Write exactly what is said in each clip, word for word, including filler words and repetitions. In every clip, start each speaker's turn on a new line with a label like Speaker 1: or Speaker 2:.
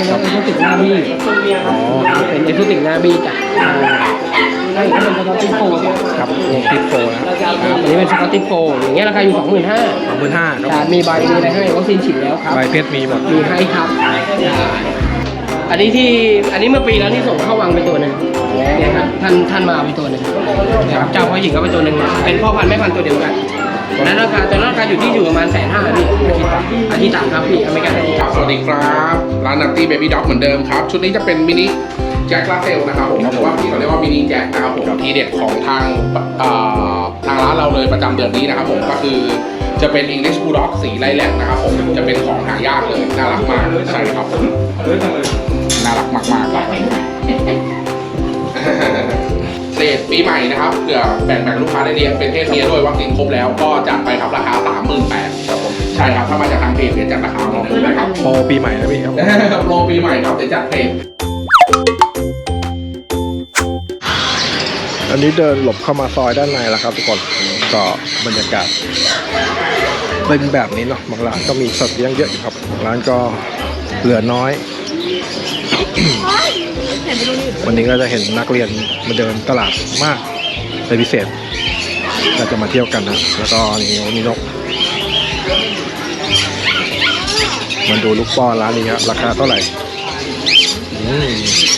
Speaker 1: เป็นรถเอซูติกหน้าบี้อ๋อเป็นเอซูติกหน้าบี้จ้ะใช่เป็นสกอตติชโฟร์ครับติดโฟร์นะครับอันนี้เป็นสกอตติชโฟร์อย่างเงี้ยราคาอยู่สองหมื่นห้าสองหมื่นห้าครับมีใบมีอะไรให้วัคซีนฉีดแล้วครับใบเพชรมีหมดมีให้ครับอันนี้ที่อันนี้เมื่อปีแล้วที่ส่งเข้าวังไปตัวหนึ่งเนี่ยครับท่านท่านมาไปตัวหนึ่งนะครับเจ้าพ่อหญิงก็ไปตัวหนึ่งเป็นพ่อพันธุ์แม่พันธุ์ตัวเดียวกันนั้นราคาตัวนั้นราคาอยู่ที่อยู่ประมาณแสนห้าพี่อาทิตย์อาทิตย์ต่างครับพี่อเมริกันอาทิตย์ต่าง
Speaker 2: สวัสดีครับร้านนัตตี้เบบี้ด็อกเหมือนเดิมครับชุดนี้จะเป็นมินิแจ็คลาเซลนะครับผมหรือว่าพี่เขาเรียกว่ามินิแจ็คนะครับผมทีเด็ดของทางทางร้านเราเลยประจำเดือนนี้นะครับผมก็คือจะเป็น English Bulldog สีไลแลกนะครับผมจะเป็นของหายากเลยน่ารักมากใช่ครับผมน่ารักมากๆครับเศษปีใหม่นะครับเผื่อแบ่งแบ่งลูกค้าได้เลี้ยงเป็นเพศเมียด้วยวัคซีนครบแล้วก็จัดไปครับราคา สามหมื่นแปดพัน ครับผมใช่ครับถ้ามาจากทางเพจเดี๋ยวจัดราคาน้องนะครับโปรปีใหม่นะพี่ครับโปรปีใหม่ครับเดี๋ยวจัดเพจ
Speaker 3: อันนี้เดินหลบเข้ามาซอยด้านในแล้วครับทุกคนก็บรรยากาศเป็นแบบนี้เนาะบางร้านก็มีสัตว์เลี้ยงเยอะอยู่ครับร้านก็เหลือน้อย วันนี้ก็จะเห็นนักเรียนมาเดินตลาดมากเป็นพิเศษก็จะมาเที่ยวกันนะแล้วก็นี่มีนกมันดูลูกป้อนร้านนี้ครับราคาเท่าไหร่อืม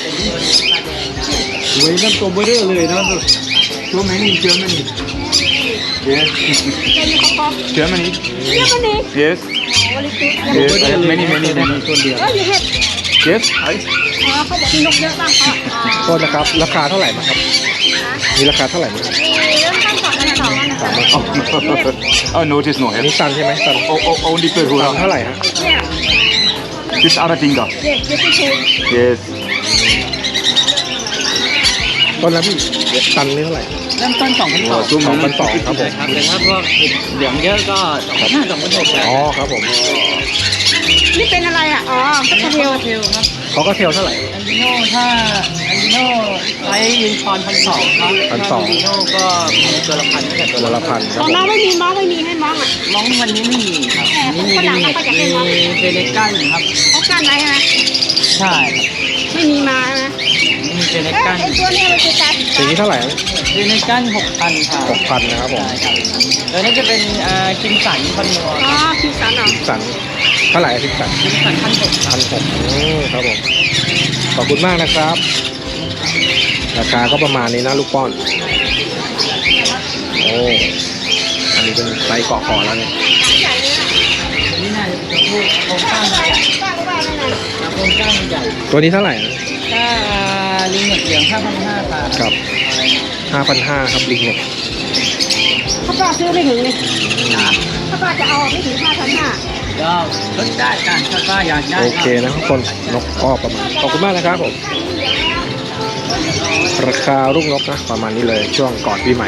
Speaker 1: เว้ยนั่นตัวเบอร์เรอร์เลยนะตัวแมงนี่เจอมันนี่
Speaker 4: Yes. Germany.
Speaker 5: Germany.
Speaker 4: Yes. Yes. I have many, many, many.
Speaker 5: Oh, you have.
Speaker 4: Yes. I.
Speaker 5: อ๋อเขาบอกมีนกเยอะบ้างค่ะ
Speaker 3: โทษนะครับราคาเท่าไหร่มั้งครับมีราคาเท่าไหร่มั้ง
Speaker 5: เริ่มตั้งสองพันสองนะคะ
Speaker 4: Oh, notice no
Speaker 3: อัน
Speaker 4: help.
Speaker 3: นี้ตันใช่ไหมตัน
Speaker 4: Oh, oh, only per
Speaker 3: ตัน
Speaker 4: hura.
Speaker 3: เท่าไหร่ฮะ
Speaker 5: เนี่ย
Speaker 4: This other thing, da.
Speaker 5: yes yes yes
Speaker 4: Yes.
Speaker 3: ต้นละพี่ตันนี่เท่าไหร่
Speaker 1: เริ่มต้นสองพันสอง
Speaker 4: Oh, two
Speaker 3: สองพัน
Speaker 4: million.
Speaker 3: สองครับผม
Speaker 1: ครับแต่ถ้าพวกเหลืองเยอะก็สองพันห้าสองพันหกครับ
Speaker 3: อ๋อครับผม
Speaker 5: นี่เป็นอะไรอ่ะอ๋อสักกระเทียว
Speaker 1: เทลครับ
Speaker 3: เขาก็เทลเท่าไหร่
Speaker 1: อันดิโน่ถ้าอันดิโน่ไซส์ยูนิคอร์นพันสองครับ
Speaker 3: พันสอง
Speaker 1: อันดิโน่ก็มีตัวละพันตั้งแต่ตัว
Speaker 3: ตัว
Speaker 1: ละ
Speaker 3: ละพันค
Speaker 5: ข
Speaker 3: รับ
Speaker 5: อง
Speaker 3: ผม
Speaker 5: น้องไม่มีม้องไม่มีให้ม้องอ่ะ
Speaker 1: มองวันนี้ไม่มีครับ
Speaker 5: แอบ
Speaker 1: นี่มี
Speaker 5: ฝรั่ง
Speaker 1: เน็ต
Speaker 5: เขาจะให้
Speaker 1: มี
Speaker 5: มอง
Speaker 1: เฟเนกันครับ
Speaker 5: เขากั้นไว้นะ
Speaker 1: ใช่ครับ
Speaker 5: ไม่มีมานะ
Speaker 1: มีเฟเน
Speaker 5: เอ๊ะ
Speaker 1: กัน
Speaker 5: ไอ้ตัวเนี้มันคือการ
Speaker 3: สีนี้เท่าไหร่
Speaker 1: เฟเนกันหกพันครับ
Speaker 3: หกพันนะครับผม
Speaker 1: ใช่ครับตัวนี้จะเป็นอ่าคิมสันพันนัว
Speaker 5: อ๋อคือสันเหรอ
Speaker 3: สันเท่าไหร่สิบสัน
Speaker 1: คิมสันพันหกครั
Speaker 3: พั
Speaker 1: บ
Speaker 3: นหกครับผมขอบคุณมากนะครับ ราคาก็ประมาณนี้นะลูกป้อนโอ้อันนี้เป็นไซส์เกาะคอแล้วเนี่ย
Speaker 1: นี่น่าจะเป็นตัวผู้โครงสร้างใหญ่
Speaker 5: ป้าก็ว่านั่นน่ะ
Speaker 1: โครงสร้างใหญ่
Speaker 3: ตัวนี้เท่าไหร่นะ
Speaker 1: ถ้าลิงเหลืองห้าพันห้าครับ
Speaker 3: ครับห้าพันห้าครับลิงเนี่ย
Speaker 5: ถ้าป้าซื้อไม่ถึงนี่ถ้าป้าจะเอาไม่ถึงห้าพันห้า
Speaker 1: ก็ลดได้กันถ้าป้าอยากได้
Speaker 3: โอเคนะทุกคนนกก็ประมาณขอบคุณมากนะครับผมราคาลูกนกนะประมาณนี้เลยช่วงก่อนปีใหม่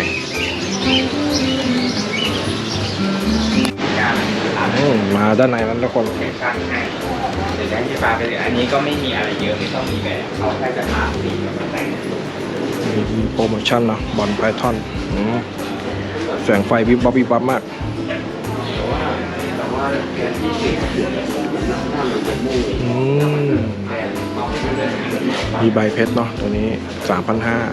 Speaker 3: อืมมาด้านในนั้นทุกคน
Speaker 6: เดี๋ยวจะให้พี่ฟ้าไปเลยอันนี้ก็ไม่มีอะไรเยอะไม่ต้องมีแบบเขาแค่จะทาสีกับแต่ง
Speaker 3: มีโปรโมชั่นนะบอลไพทอนแสงไฟวิบวับวิบวับมากอืมมีใบเพชรเนาะตัวนี้ สามพันห้า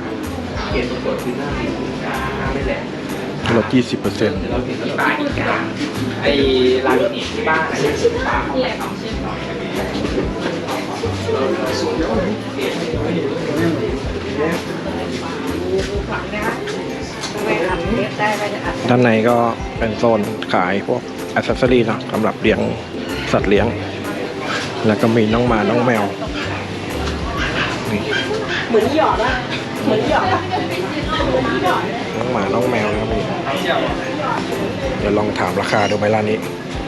Speaker 3: ร้อยลด ยี่สิบเปอร์เซ็นต์
Speaker 6: เราถึงที่บ้านอีกอย่างไอ้ลามิเนตที่บ้านอะไรที่ฟ้าเขาไปทำ
Speaker 3: ด้านในก็เป็นโซนขายพวกอ c เซสซอรี่เนาะสำหรับเลี้ยงสัตว์เลี้ยง แล้วก็มีน้องหมาน้องแมวนี่
Speaker 5: เหมือนหยอดอะเหมือนหยอดอะ
Speaker 3: น้องหมาน้องแมวนะครับนี่เดี๋ยวลองถามราคาดูไหมร้านนี้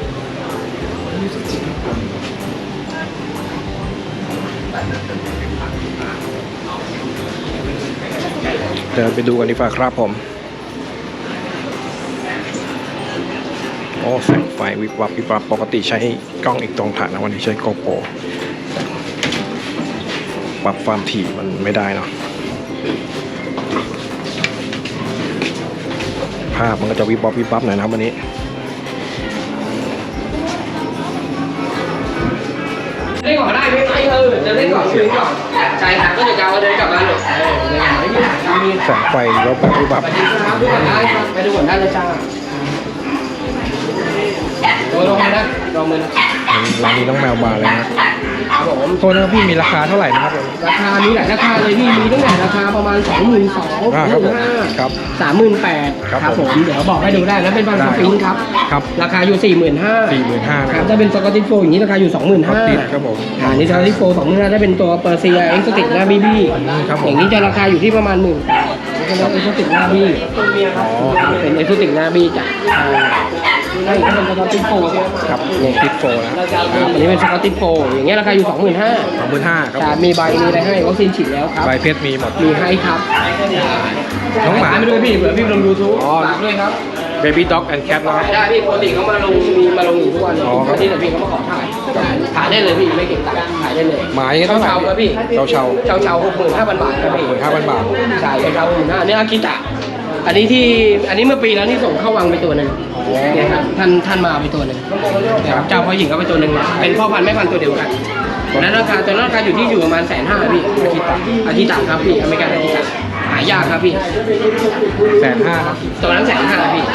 Speaker 3: เดินไปดูกันดีกว่าครับผมโอ้แสงไฟวิบวับวิบวับปกติใช้กล้องอีกตรงถ่านนะวันนี้ใช้โกโปรปรับความถี่มันไม่ได้เนาะภาพมันก็จะวิบวับวิบวับหน่อยนะครับวันนี้
Speaker 1: ได้ก่อนได้ไหมเออเดินเล่นก่อนคุยก่อนใช่ครับก็จะกาวเดินกลับมาเลยเออเดินกลับมาไม่มีปัญหามี
Speaker 3: แสงไฟรถแบบรูปแบบ
Speaker 1: สวัสดีครับดูก่อนได้ครับไปดูก่อนได้เลยจ้าดูลงมานะลองมือนะ
Speaker 3: ร้านนี้น้องแมวมาเลยนะครับ
Speaker 1: ผม
Speaker 3: โทษนะครับพี่มีราคาเท่าไหร่นะครับผม
Speaker 1: ราคามีหลายราคาเลยพี่มีตั้งแต่ราคาประมาณสองหมื่นสอง
Speaker 3: อ่า
Speaker 1: ห
Speaker 3: ครับ
Speaker 1: มื่
Speaker 3: ผม
Speaker 1: นห้า
Speaker 3: ครับ
Speaker 1: สามหมื่นแปด
Speaker 3: ครับ
Speaker 1: ครับ
Speaker 3: ผ
Speaker 1: ผม มเดี๋ยวบอกให้ดูได้แล้วเป็นบางสปริงครับ
Speaker 3: ครับ
Speaker 1: ราคาอยู่สี่หมื่นห้า
Speaker 3: สี่หมื่นห้านะ
Speaker 1: ค
Speaker 3: ค
Speaker 1: รั
Speaker 3: รั
Speaker 1: บบ ถ้าเป็นสกอตติชโฟอย่างนี้ราคาอยู่สองหมื่น
Speaker 3: ครับ
Speaker 1: ห้า
Speaker 3: ติดครับผม
Speaker 1: อ่านี่สกอตติชโฟสองหมื่นห้าถ้าเป็นตัวเปอร์เซียเอ็กซ์ติกหน้าบีบี
Speaker 3: ครับผม
Speaker 1: อย่างนี้จะราคาอยู่ที่ประมาณหมื่นนี่ก็เป็นเอ็กซ์ติกหน้าบีเป็นเอ็กซ์ติกหน้าบีจ้ะอ่านี่ก็เป็นสกอตติชโฟ
Speaker 3: ครับวงติดโฟนะ
Speaker 1: อ่าอันนี้เป็นสกอตติชโฟอย่างเงี้ยราคาอยู่สองหมื่นห้า
Speaker 3: สองหมื่นห้าครับ
Speaker 1: จะมีใบมีอะไรให้วัคซีนฉีดแล้วครับ
Speaker 3: ใบเพชรมีหมด
Speaker 1: มีให้ครับ
Speaker 3: น้องหมา
Speaker 1: ไม่ด้วยพี่เผื่อพี่ลงยูทูบ
Speaker 3: อ๋อ
Speaker 1: ฝากด้วยครับ
Speaker 3: Baby Dog and Cat นะครับ
Speaker 1: ได้พี่ปกติเขามาลงมีมาลงอยู่ทุกวัน
Speaker 3: อ๋อครับ
Speaker 1: ที่แต่พี่เขามาขอถ่ายถ่ายได้เลยพี่ไม่เก็บตังค์ถ่ายได้เลย
Speaker 3: หมายเท่าไหร่
Speaker 1: เช่าครับพี่
Speaker 3: เช่าเช่า
Speaker 1: เช่าเช่าหกหมื่นห้าพันบาทครับพี่
Speaker 3: หกหมื่นห้าพันบาท
Speaker 1: ใช่เช่าหกหมื่นห้าเนี่ยอากิตะอันนี้ที่อันนี้เมื่อปีแล้วที่ส่งเข้าวังไปตัวหนึ่งเนี่ยครับท่านท่านมาไปตัวหนึ่งเนี่ยครับเจ้าพ่อหญิงก็ไปตัวหนึ่งเป็นพ่อพันธุ์แม่พันธุ์ตัวเดียวกันนั้นราคาตัวนั้นราคาอยู่ที่อยู่ประมาณแสนห้าพี่อากิตะอากิตะครับพี่อเมริกันอากิตะหายากครับพี่
Speaker 3: แสนห้าครับ
Speaker 1: ตัวนั้นแสนห้าพี่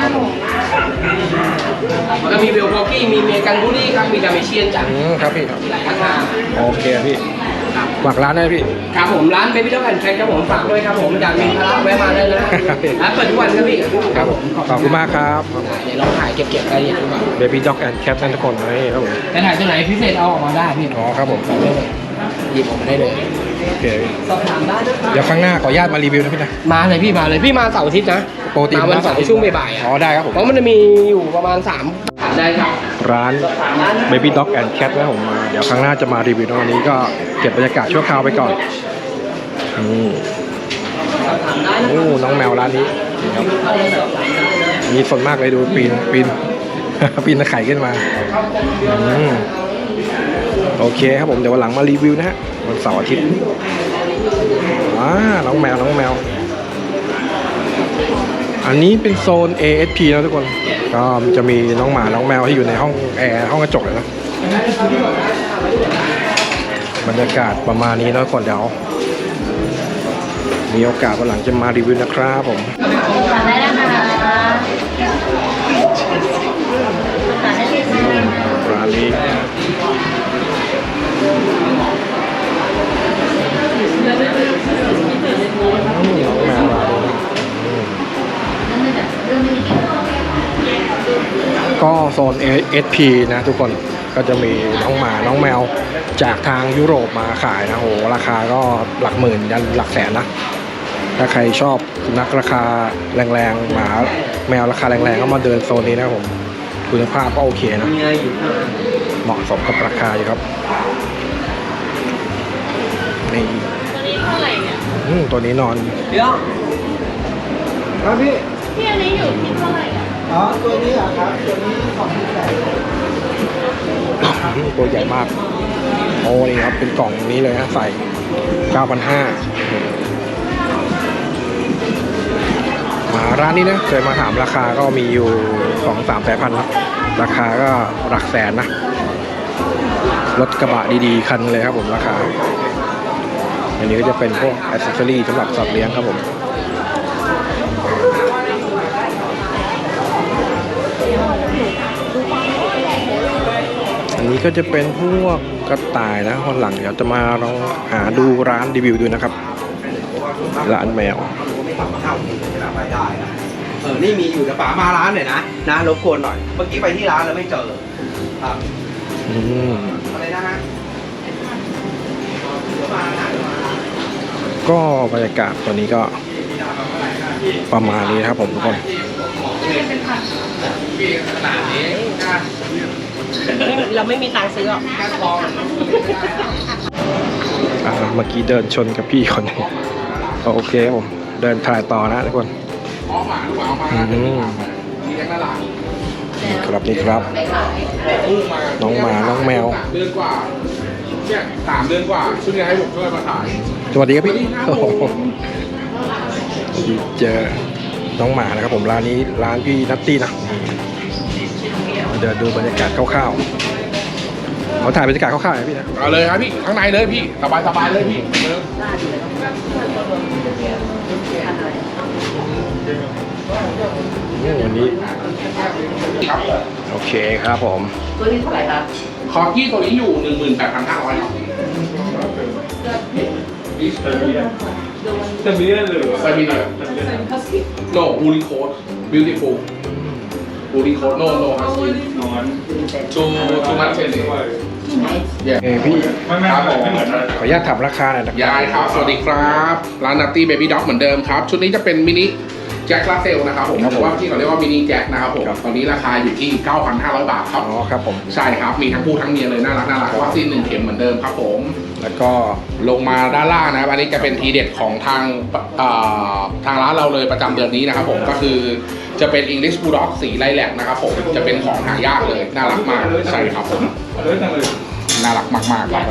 Speaker 1: แล้วก็มีเวลโคกี้มีเมียกันบูรี่ครับมีดาเมเชียนจาก
Speaker 3: อืมครับพี่ครับ
Speaker 1: หลายราคา
Speaker 3: โอเคพี่ฝากร้านได้พี่
Speaker 1: ครับผมร้านเบบี้ด็อกแอนด์แคทครับผมฝากด้วยครับผมอยากมีพาราแวะมาได้เลยร้านเปิดทุกวันครับพี่
Speaker 3: ครับผมขอบคุณมากครับ
Speaker 1: เดี๋ยวลองถ่ายเก็บๆรายละเอียดดูก่อน
Speaker 3: Baby Dog and Cat นั่นทุกคนนี่ครับผม
Speaker 1: แต่ถ่ายตัวไหนพิเศษเอาออกมาได้พี่
Speaker 3: อ๋อครับผม
Speaker 1: เอาได้เลยหยิบออกมาได้เลย
Speaker 3: โอเคพี่
Speaker 1: สอบถามได้นะค
Speaker 3: เดี๋
Speaker 1: รั
Speaker 3: ยวครั้งหน้าขออนุญาตมารีวิวนะพี่นะ
Speaker 1: มาเลยพี่มาเลยพี่มาเสาร์อาทิตย์นะ
Speaker 3: ปกติ
Speaker 1: มาวันเสาร์ช่วงบ่ายๆอ่ะ
Speaker 3: อ๋อได้ครับผม
Speaker 1: เพราะมันจะมีอยู่ประมาณสามได้ครับ
Speaker 3: ร้าน Baby Dog and Cat นะผมมาเดี๋ยวครั้งหน้าจะมารีวิวนะวันนี้ก็เก็บบรรยากาศชั่วคราวไปก่อนอืม
Speaker 1: สอบถามได้นะ
Speaker 3: โอ้น้องแมวร้านนี้นี่ครับมีส่วนมากเลยดูปีนปีน ปีนตะไคร่ขึ้นมาอืมโอเคครับผมเดี๋ยววันหลังมารีวิวนะฮะวันเสาร์อาทิตย์ว้าน้องแมวน้องแมว อันนี้เป็นโซน เอ เอส พี นะทุกคนก็จะมีน้องหมาน้องแมวที่อยู่ในห้องแอร์ห้องกระจกเลยนะบรรยากาศประมาณนี้นะทุกคนเดี๋ยวมีโอกาสวันหลังจะมารีวิวนะครับผม
Speaker 5: ได้นะคะ
Speaker 3: ร้านนี้แมวร้านนี้ก็โซน เอ เอส พี นะทุกคนก็จะมีน้องหมาน้องแมวจากทางยุโรปมาขายนะโหราคาก็หลักหมื่นยันหลักแสนนะถ้าใครชอบสุนัขราคาแรงๆหมาแมวราคาแรงๆก็มาเดินโซนนี้นะครับผมคุณภาพก็โอเคนะเหมาะสมกับราคาอยู่ครับนี่
Speaker 5: ตัวนี้เท่าไหร่เนี่ย
Speaker 3: อืมตัวนี้นอน
Speaker 1: เดี๋ยวครับพี่
Speaker 5: พี่อันนี้อยู่ที่เท่าไหร่อ่ะ
Speaker 1: อ๋อตัวนี้เหรอครับตัวนี้สองพันแปด
Speaker 3: ตัวใหญ่มากโอ้นี่ครับเป็นกล่องนี้เลยนะใส่ เก้าพันห้าร้อย มาร้านนี้นะเคยมาถามราคาก็มีอยู่ สองสาม สายพันธุ์นะราคาก็หลักแสนนะรถกระบะดีๆคันเลยครับผมราคาอันนี้ก็จะเป็นพวกอ c เซสซอรี่สำหรับสัตว์เลี้ยงครับผมอันนี้ก็จะเป็นพวกกระต่ายนะคนหลังเดี๋ยวจะมาลองหาดูร้านรีวิวดูนะครับร้านแมว
Speaker 7: เออ นี่มีอยู่แต่ป๋ามาร้านหน่อยนะ นะรบกวนหน่อย เมื่อกี้ไปที่ร้านแล้วไม่เจอ ครับ
Speaker 3: อืม
Speaker 7: อะไรนะฮะ
Speaker 3: ก็บรรยากาศตัวนี้ก็ประมาณนี้นะครับผมทุกคน
Speaker 1: เราไม่มีตังค์ซื้อหรอก
Speaker 3: อ่าเมื่อกี้เดินชนกับพี่คนหนึงโอเคครับผมเดินถ่ายต่อนะทุกคน
Speaker 2: ออกมาหรือเปล่ามา
Speaker 3: อืม
Speaker 2: ทีแรกน่ารัก
Speaker 3: นี่ครับนี่ครับ
Speaker 2: ลูกมา
Speaker 3: น้องหมาน้องแมว
Speaker 2: สามเดือนกว่าเนี่ยสามเดือนกว่าช่วงนี้ให้ผมช่วยมาถ่าย
Speaker 3: สวัสดีครับพี่
Speaker 2: สวัสดีครับ
Speaker 3: โอ้โหเจอน้องหมานะครับผมร้านนี้ร้านพี่นัตตี้นะนี่เดี๋ยวดูบรรยากาศคร่าวๆเขาถ่ายบรรยากาศคร่าวๆหน่อยพี่นะ
Speaker 2: เอาเลยครับพี่ข้างในเลยพี่สบายสบายเลยพี่เดิน
Speaker 3: อืมวันนี้
Speaker 2: ครับ
Speaker 3: โอเคครับผม
Speaker 2: คอร์กี้ตัวนี้อยู่หนึ่งหมื่นแปดพันห้าร้อยครับเซมิเนียหรือเซมิเนียโน่บูริโคดบิวตี้ฟูลบูริโคดโน่โน่ฮัสกี้ทูทูมัตเชนนี่
Speaker 3: เอ้ยพี่
Speaker 2: ครับผม
Speaker 3: ขออนุญาตถามราคาหน่อยนะ
Speaker 2: ยายครับสวัสดีครับร้านนัตตี้เบบี้ด็อกเหมือนเดิมครับชุดนี้จะเป็นมินิแจ็คลาเซลนะครับผมหรือว่าที่เขาเรียกว่ามินิแจ็คนะครับผมตอนนี้ราคาอยู่ที่ เก้าพันห้าร้อย บาทครับ
Speaker 3: อ๋อครับผม
Speaker 2: ใช่ครับมีทั้งผู้ทั้งเมียเลยน่ารักน่ารักวัคซีนหนึ่งเข็มเหมือนเดิมครับผม
Speaker 3: แล้วก็
Speaker 2: ลงมาด้านล่างนะครับอันนี้จะเป็นทีเด็ดของทางเอ่อทางร้านเราเลยประจำเดือนนี้นะครับผมก็คือจะเป็น English Bulldog สีไลแลกนะครับผมจะเป็นของหายากเลยน่ารักมากใช่ครับผมน่ารักมากๆครับ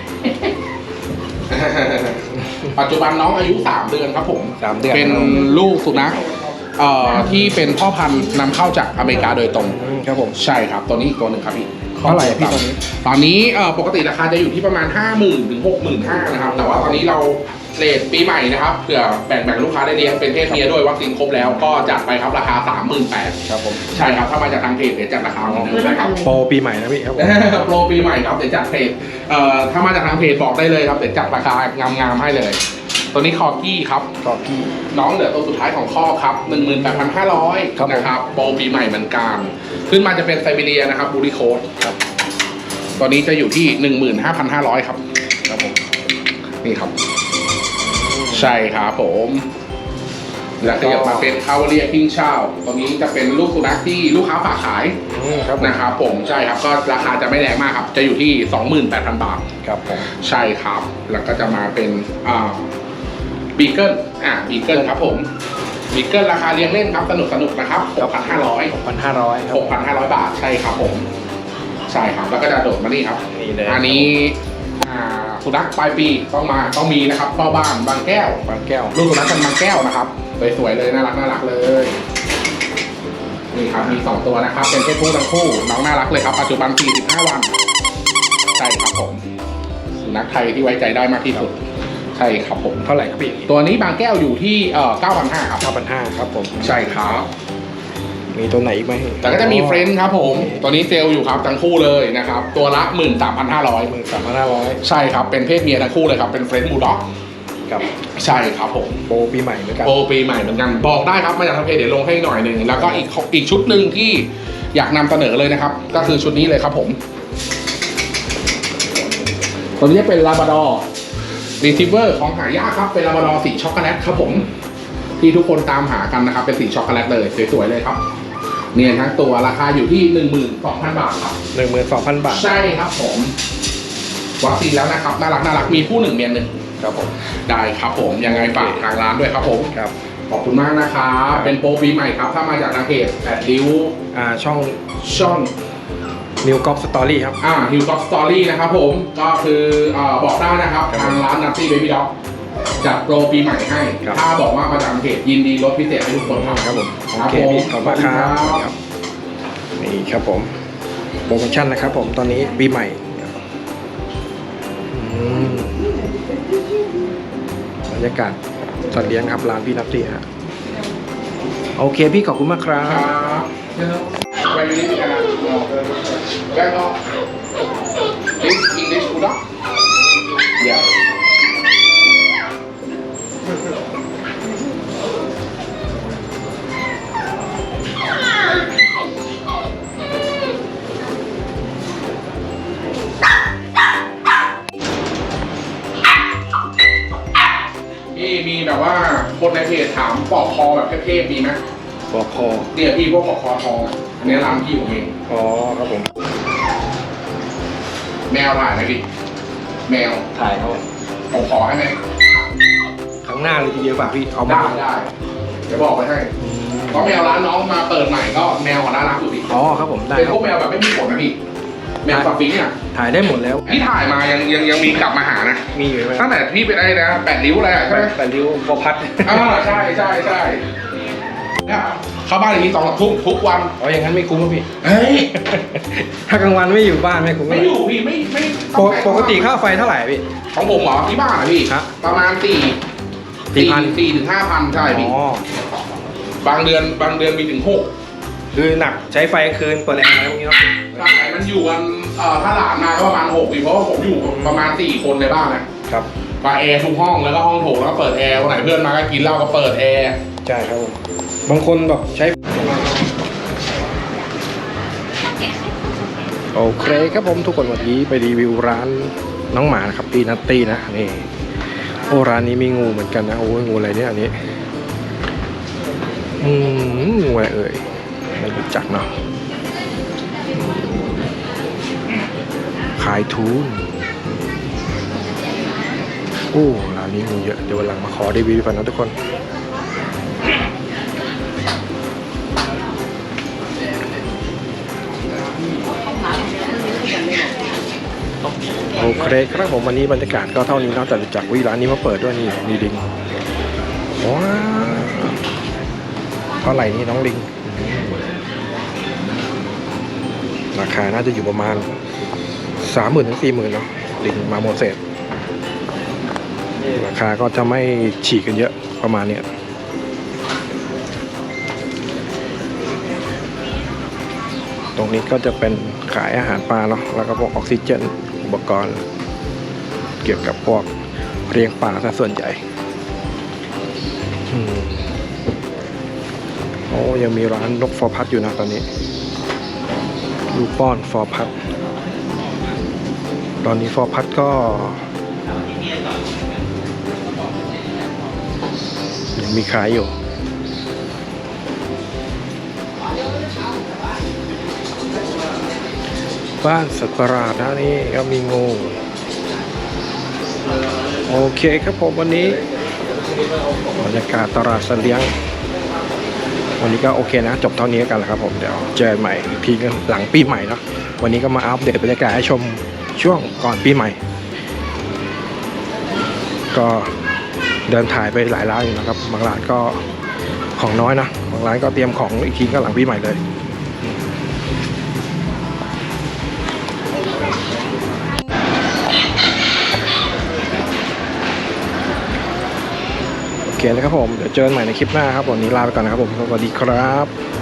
Speaker 2: ปัจจุบันน้องอายุสามเดือนครับผม
Speaker 3: สามเดือน
Speaker 2: เป็นลูกสุนัขเอ่อที่เป็นพ่อพันธุ์นำเข้าจากอเมริกาโดยตรง
Speaker 3: อืมครับผม
Speaker 2: ใช่ครับตัวนี้อีกตัวหนึ่งครับพี่
Speaker 3: เท่าไหร่พี่ตัวนี้
Speaker 2: ตอนนี้เอ่อปกติราคาจะอยู่ที่ประมาณ ห้าหมื่น ถึง หกหมื่นห้าพัน นะครับแต่ว่าตอนนี้เราเรทปีใหม่นะครับเผื่อแบ่งแบ่งลูกค้าได้เลี้ยงเป็นเพศเมียด้วยวัคซีนครบแล้วก็จัดไปครับราคา สามหมื่นแปดพัน
Speaker 3: ครับผม
Speaker 2: ใช่ครับถ้ามาจากทางเพจเดี๋ยวจัดราคาเหมือนเดิมนะครับ
Speaker 3: โปรปีใหม่นะพี่ครับผม
Speaker 2: โปรปีใหม่ครับเดี๋ยวจัดเพจเอ่อถ้ามาจากทางเพจบอกได้เลยครับเดี๋ยวจัดราคางามๆให้เลย ตัวนี้คอกี้ครับ
Speaker 3: ก็พี่
Speaker 2: น้องเหลือตัวสุดท้ายของข้อครับ หนึ่งหมื่นแปดพันห้าร้อย
Speaker 3: ครับผม
Speaker 2: นะครับโปรปีใหม่เหมือนกันขึ้นมาจะเป็นไซบีเรียนะครับบูริโคดครับตอนนี้จะอยู่ที่ หนึ่งหมื่นห้าพันห้าร้อย ครับครับผมนี่ครับ ใช่ครับผมแล้วขยับมาเป็นคาวเรียคิงชาวตัวนี้จะเป็นลูกสุนัขที่ลูกค้าฝากขาย
Speaker 3: อืมครับผม
Speaker 2: นะครับผมใช่ครับก็ราคาจะไม่แรงมากครับจะอยู่ที่ สองหมื่นแปดพัน บาท
Speaker 3: ครับผม
Speaker 2: ใช่ครับแล้วก็จะมาเป็นอ่าบีเกิลอ่าบีเกิลครับผมบีเกิลราคาเลี้ยงเล่นครับสนุกสนุกนะครับ หกพันห้าร้อย
Speaker 3: หกพันห้าร้อยครับ
Speaker 2: หกพันห้าร้อยบาทใช่ครับผมใช่ครับแล้วก็จะโดดมานี่ครับ
Speaker 3: นี่เลย
Speaker 2: อันนี้อ่าสุนัขปลายปีต้องมาต้องมีนะครับเฝ้าบ้านบางแก้ว
Speaker 3: บางแก้ว
Speaker 2: ลูกสุนัขกันบางแก้วนะครับสวยๆเลยน่ารักน่ารักเลยนี่ครับมีสองตัวนะครับเป็นเพศผู้ทั้งคู่น้องน่ารักเลยครับปัจจุบันสี่สิบห้าวันใช่ครับผมสุนัขไทยที่ไว้ใจได้มากที่สุดใช่ครับผม
Speaker 3: เท่าไหร่ครับพี่
Speaker 2: ตัวนี้บางแก้วอยู่ที่เอ่อ เก้าพันห้าร้อย ครับ
Speaker 3: เก้าพันห้าครับผม
Speaker 2: ใช่ครับ
Speaker 3: มีตัวไหนอีกไหม
Speaker 2: แต่ก็จะมีเฟรนด์ครับผมตัวนี้เซลล์อยู่ครับทั้งคู่เลยนะครับตัวละ หนึ่งหมื่นสามพันห้าร้อย
Speaker 3: หมื่นสามพันห้าร้อย
Speaker 2: ใช่ครับเป็นเพศเมียทั้งคู่เลยครับเป็นเฟรนด์บูลด็อก
Speaker 3: กับ
Speaker 2: ใช่ครับผม
Speaker 3: โปรปีใหม่เหมือนกัน
Speaker 2: โปรปีใหม่เหมือนกันบอกได้ครับมาจากทางเพจเดี๋ยวลงให้หน่อยหนึ่งแล้วก็อีกอีกชุดหนึ่งที่อยากนำเสนอเลยนะครับ ก็คือชุดนี้เลยครับผมตัวนี้เป็นลาบราดอร์รีทรีเวอร์ของหายากครับเป็นลาบราดอร์สีช็อกโกแลตครับผมที่ทุกคนตามหากันนะครับเป็นสีช็อกโกแลตเลยสวยๆเลยครับเนียนทั้งตัวราคาอยู่ที่ หนึ่งหมื่นสองพัน บาทครับ
Speaker 3: หนึ่งหมื่นสองพันบาท
Speaker 2: ใช่ครับผมวัคซีนแล้วนะครับน่ารักน่ารักมีผู้หนึ่งเมียหนึ่ง
Speaker 3: ครับผม
Speaker 2: ได้ครับผมยังไงฝากทางร้านด้วยครับผม
Speaker 3: ครับ
Speaker 2: ขอบคุณมากนะครับเป็นโปรปีใหม่ครับถ้ามาจากทางเพจแปดริ้ว
Speaker 3: อ่าช่อง
Speaker 2: ช่อง
Speaker 3: นิวกอล์ฟสตอรี่ครับ
Speaker 2: อ่าฮิวก็สตอรี่นะครับผมก็คืออ่าบอกได้นะครับ
Speaker 3: ครับ
Speaker 2: ทางร้านนัตตี้เบบี้ด็อกจัดโปรปีใหม่ให้
Speaker 3: ครับ
Speaker 2: ถ้าบอกว่ามาจากทางเพจยินดีลดพิเศษให้ทุกคนครับ
Speaker 3: ครับผม
Speaker 2: ค
Speaker 3: โอ
Speaker 2: รับ
Speaker 3: เค
Speaker 2: ผม
Speaker 3: พี่ขอบคุณมากครับครับนี่ครับผมโปรโมชั่นนะครับผมตอนนี้ปีใหม่ครับอืมบรรยากาศสัตว์เลี้ยงครับร้านพี่นัตตี้ฮะโอเคพี่ขอบคุณมากครั
Speaker 2: ครับ บแวร์ยูนิคกันนะแวร์ก็ this English bulldog yeah พี่มีแบบว่าคนในเพจถามปอกคอแบบเทพๆมีไหม
Speaker 3: บอกคอ
Speaker 2: เนี่ยพี่พวกปอกคอทองอะอันนี้ร้านพี่ผมเอง
Speaker 3: อ๋อครับผม
Speaker 2: แมวถ่ายไหมพี่แมว
Speaker 3: ถ่ายเขา
Speaker 2: ผมขอให้ไหม
Speaker 3: ข้างหน้าเลยทีเดียวป่ะพี่เอา
Speaker 2: ได้
Speaker 3: มา
Speaker 2: ได้เดี๋ยวบอกไปให้
Speaker 3: อืม
Speaker 2: เพราะแมวร้านน้องมาเปิดใหม่ก็แมวของร้านรักอยู่พี่
Speaker 3: อ๋อครับผมได้
Speaker 2: เป็น
Speaker 3: ครั
Speaker 2: พ
Speaker 3: บ
Speaker 2: วกแมวแบบไม่มีขนนะพี่แมวสฟิงค์เนี่ย
Speaker 3: ถ่ายได้หมดแล้ว
Speaker 2: พี่ถ่ายมายังยังยังมีกลับมาหานะ
Speaker 3: มีอยู่ไหม
Speaker 2: ตั้งแต่พี่เป็นไอ้นะแปดริ้วอะไรอะใช่ไหม
Speaker 3: แต่ริ้วบอพัด
Speaker 2: อ่าใช่ใช่ใช่เนี่ยเข้าบ้านอย่างนี้สองสามทุ่มทุกวัน
Speaker 3: อ๋ออย่างนั้นไม่คุ้มครับพี่
Speaker 2: เฮ้ย
Speaker 3: ถ้ากลางวันไม่อยู่บ้านไม่คุ้ม
Speaker 2: ไม่อยู่พี่ไม่ไม่
Speaker 3: ปกปกติค่าไฟเท่าไหร่พี่
Speaker 2: ของผมเหรอที่บ้านอะพี่
Speaker 3: ครับ
Speaker 2: ประมาณสี่
Speaker 3: สี่พัน
Speaker 2: สี่ถึงห้าพันใช่พี่
Speaker 3: อ๋อบ
Speaker 2: างเดือนบางเดือนมีถึงหก
Speaker 3: คือหนักใช้ไฟคืนเปิดแอร์อะไรพวกนี้เนาะ
Speaker 2: ใช่มันอยู่กันเอ่อถ้าหลานมาก็ประมาณหกพี่เพราะว่าผมอยู่ประมาณสี่คนในบ้านนะครับ ก็แอร์ทุกห้องแล้วก็ห้องโถงแล้วก็เปิดแอร์วันไหนเพื่อนมาก็กินเหล้าก็เปิดแอร์
Speaker 3: ใช่ครับผมบางคนแบบใช้โอเคครับผมทุกคนวันนี้ไปรีวิวร้านน้องหมานะครับปีนัตตี้นะนี่โอ้ร้านนี้มีงูเหมือนกันนะโอ้ยงูอะไรเนี่ยอันนี้อืมงูอะไรเอ่ยไม่รู้จักเนาะขายทูนโอ้ร้านนี้งูเยอะเดี๋ยววันหลังมาขอรีวิวกันนะทุกคนโอเคครับผมวันนี้บรรยากาศก็เท่านี้นอกจากจากวิร้านนี้มาเปิดด้วยนี่นี่ลิงว้าวเท่าไหร่นี่น้องลิงราคาน่าจะอยู่ประมาณสามหมื่นถึงสี่หมื่นเนาะลิงมาโมเสสราคาก็จะไม่ฉีกกันเยอะประมาณเนี้ยตรงนี้ก็จะเป็นขายอาหารปลาเนาะแล้วก็พวกออกซิเจนอุปกรณ์เกี่ยวกับพวกเลี้ยงปลาซะส่วนใหญ่อืมโอ้ยังมีร้านนกฟอร์พัดอยู่นะตอนนี้ลูกป้อนฟอร์พัดตอนนี้ฟอร์พัดก็ยังมีขายอยู่บ้านสัตว์ประหลาดนะนี่ก็มีงูโอเคครับผมวันนี้บรรยากาศตลาดสัตว์เลี้ยงวันนี้ก็โอเคนะจบเท่านี้กันแล้วครับผมเดี๋ยวเจอกันใหม่อีกทีกันหลังปีใหม่เนาะวันนี้ก็มาอัปเดตบรรยากาศให้ชมช่วงก่อนปีใหม่ก็เดินถ่ายไปหลายร้านอยู่นะครับบางร้านก็ของน้อยนะบางร้านก็เตรียมของอีกทีก็หลังปีใหม่เลยโอเคนะครับผมเดี๋ยวเจอกันใหม่ในคลิปหน้าครับวันนี้ลาไปก่อนนะครับผมสวัสดีครับ